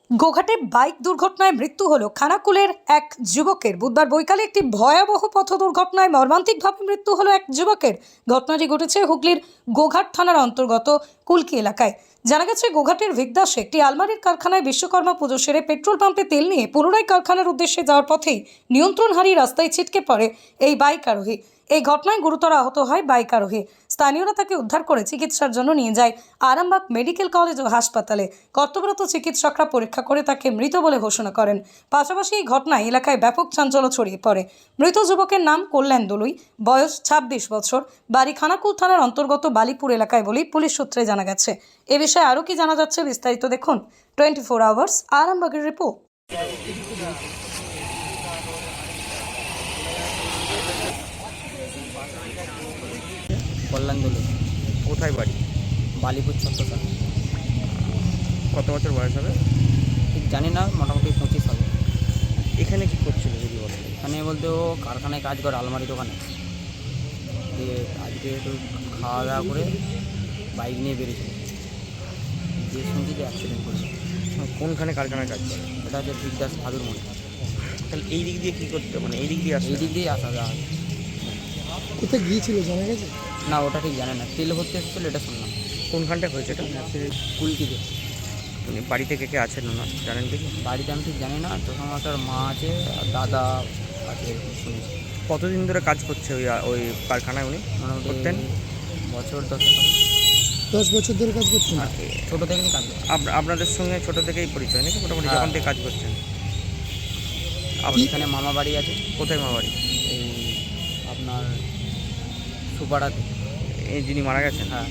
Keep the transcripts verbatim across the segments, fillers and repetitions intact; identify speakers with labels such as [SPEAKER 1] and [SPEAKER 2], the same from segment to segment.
[SPEAKER 1] গোঘাটে bike দুর্ঘটনায় মৃত্যু হলো খানাকুলের এক যুবকের। বুধবার বৈকালে একটি ভয়াবহ পথ দুর্ঘটনায় মর্মান্তিকভাবে মৃত্যু হলো এক যুবকের। ঘটনাটি ঘটেছে হুগলির গোঘাট থানার অন্তর্গত কুলকি এলাকায়। জানা গেছে, গোঘাটের ভিগদাসে একটি আলমারির কারখানায় বিশ্বকর্মা পুজো সেরে পেট্রোল পাম্পে তেল নিয়ে পুনরায় কারখানার উদ্দেশ্যে যাওয়ার পথেই নিয়ন্ত্রণ হারিয়ে রাস্তায় ছিটকে পড়ে এই বাইক আরোহী। এই ঘটনায় গুরুতর আহত হয় বাইক আরোহী। স্থানীয়রা তাকে উদ্ধার করে চিকিৎসার জন্য নিয়ে যায় আরামবাগ মেডিকেল কলেজ ও হাসপাতালে। কর্তব্যরত চিকিৎসকরা পরীক্ষা করে তাকে মৃত বলে ঘোষণা করেন। পাশাপাশি এই ঘটনায় এলাকায় ব্যাপক চাঞ্চল্য ছড়িয়ে পড়ে। মৃত যুবকের নাম কল্যাণ দলুই, বয়স ছাব্বিশ বছর, বাড়ি খানাকুল থানার অন্তর্গত বালিপুর এলাকায় বলেই পুলিশ সূত্রে জানা গেছে। এ বিষয়ে আরও কি জানা যাচ্ছে বিস্তারিত দেখুন টোয়েন্টি ফোর আওয়ার্স আরামবাগের রিপোর্ট।
[SPEAKER 2] কল্যাণ দলুই,
[SPEAKER 3] কোথায় বাড়ি?
[SPEAKER 2] বালিপুর ছত্রসাল।
[SPEAKER 3] কত বছর বয়স হবে?
[SPEAKER 2] ঠিক জানি না, মোটামুটি পঁচিশ হবে।
[SPEAKER 3] এখানে কি করছিল যদি বলেন?
[SPEAKER 2] এখানে বলতে ও কারখানায় কাজ করে, আলমারি দোকানে। দিয়ে আজকে একটু খাওয়া দাওয়া করে বাইক নিয়ে বেরিয়েছিল, দিয়ে শুনছি যে অ্যাক্সিডেন্ট করেছে।
[SPEAKER 3] কোনখানে কারখানায় কাজ করে?
[SPEAKER 2] এটা হচ্ছে বিদ্যাস ভাদুর মনে।
[SPEAKER 3] তাহলে এই দিক দিয়ে কী করতে, মানে এই দিক দিয়ে আসে?
[SPEAKER 2] এই দিক দিয়েই আসা যাওয়া।
[SPEAKER 4] কোথায় গিয়েছিল জানা গেছে?
[SPEAKER 2] না, ওটা ঠিক জানে না। তেল ভর্তি এসেছিলো, এটা শুনলাম।
[SPEAKER 3] কোনখানটায় হয়েছে এটা?
[SPEAKER 2] কুলকিতে।
[SPEAKER 3] মানে বাড়িতে কে কে আছেন না জানেন দেখি?
[SPEAKER 2] বাড়িতে আমি ঠিক জানি না, তখন আমার মা আছে আর দাদা আছে, এরকম শুনেছি।
[SPEAKER 3] কতদিন ধরে কাজ করছে ওই ওই কারখানায় উনি?
[SPEAKER 2] মোটামুটি
[SPEAKER 3] করতেন
[SPEAKER 2] বছর দশেক হবে।
[SPEAKER 4] দশ বছর ধরে কাজ করছেন?
[SPEAKER 2] হ্যাঁ, ছোটো থেকে কাজ করে।
[SPEAKER 3] আপ- আপনাদের সঙ্গে ছোটো থেকেই পরিচয় নাকি? মোটামুটি
[SPEAKER 2] হ্যাঁ।
[SPEAKER 3] যখন থেকে কাজ করছেন?
[SPEAKER 2] আপনি এখানে মামা বাড়ি আছে,
[SPEAKER 3] কোথায় মা বাড়ি?
[SPEAKER 2] এই আপনার সুপাড়াতে।
[SPEAKER 3] এই যিনি মারা গেছেন
[SPEAKER 2] হ্যাঁ,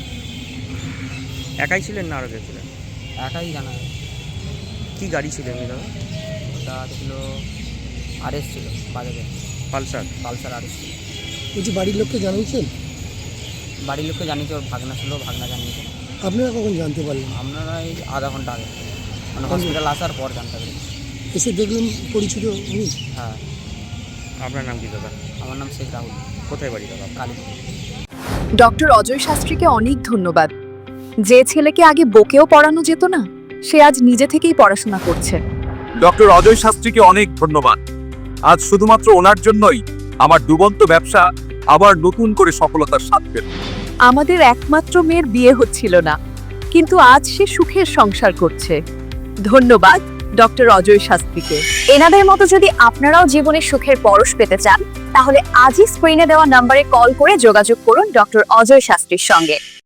[SPEAKER 3] একাই ছিলেন না আরও কে ছিলেন?
[SPEAKER 2] একাই জানা যায়।
[SPEAKER 3] কী গাড়ি ছিল এমনি দাদা?
[SPEAKER 2] ওটা ছিল আরএস, ছিল বাজাজের
[SPEAKER 3] পালসার?
[SPEAKER 2] পালসার আরএস ছিল।
[SPEAKER 4] বলছি বাড়ির লোককে জানিয়েছেন?
[SPEAKER 2] বাড়ির লোককে জানিয়েছে, ওর ভাগনা ছিল, ভাগনা জানিয়েছে।
[SPEAKER 4] আপনারা কখন জানতে পারলেন?
[SPEAKER 2] আপনারা এই আধা ঘন্টা আগে, মানে হসপিটাল আসার পর জানতে পেরেছি।
[SPEAKER 4] এসে দেখলেন পরিচিত উনি?
[SPEAKER 2] হ্যাঁ।
[SPEAKER 3] আপনার নাম কি দাদা?
[SPEAKER 2] আমার নাম শেখ রাহুল,
[SPEAKER 3] কোথায় বাড়ি দাদা?
[SPEAKER 2] কালীপুর।
[SPEAKER 5] ডক্টর অজয় শাস্ত্রীকে অনেক ধন্যবাদ। যে ছেলেকে আগে বকেও পড়ানো যেত না, সে আজ নিজে থেকেই পড়াশোনা করছে।
[SPEAKER 6] ডক্টর অজয় শাস্ত্রীকে অনেক ধন্যবাদ। আজ শুধুমাত্র ওনার জন্যই আমার ডুবন্ত ব্যবসা আবার নতুন করে সফলতার স্বাদ পেল।
[SPEAKER 5] আমাদের একমাত্র মেয়ের বিয়ে হচ্ছিল না, কিন্তু আজ সে সুখের সংসার করছে। ধন্যবাদ ডক্টর অজয় শাস্ত্রীকে।
[SPEAKER 7] এনাদের মতো যদি আপনারাও জীবনে সুখের পরশ পেতে চান, তাহলে আজই স্ক্রিনে দেওয়া নম্বরে কল করে যোগাযোগ করুন ডক্টর অজয় শাস্ত্রীর সঙ্গে।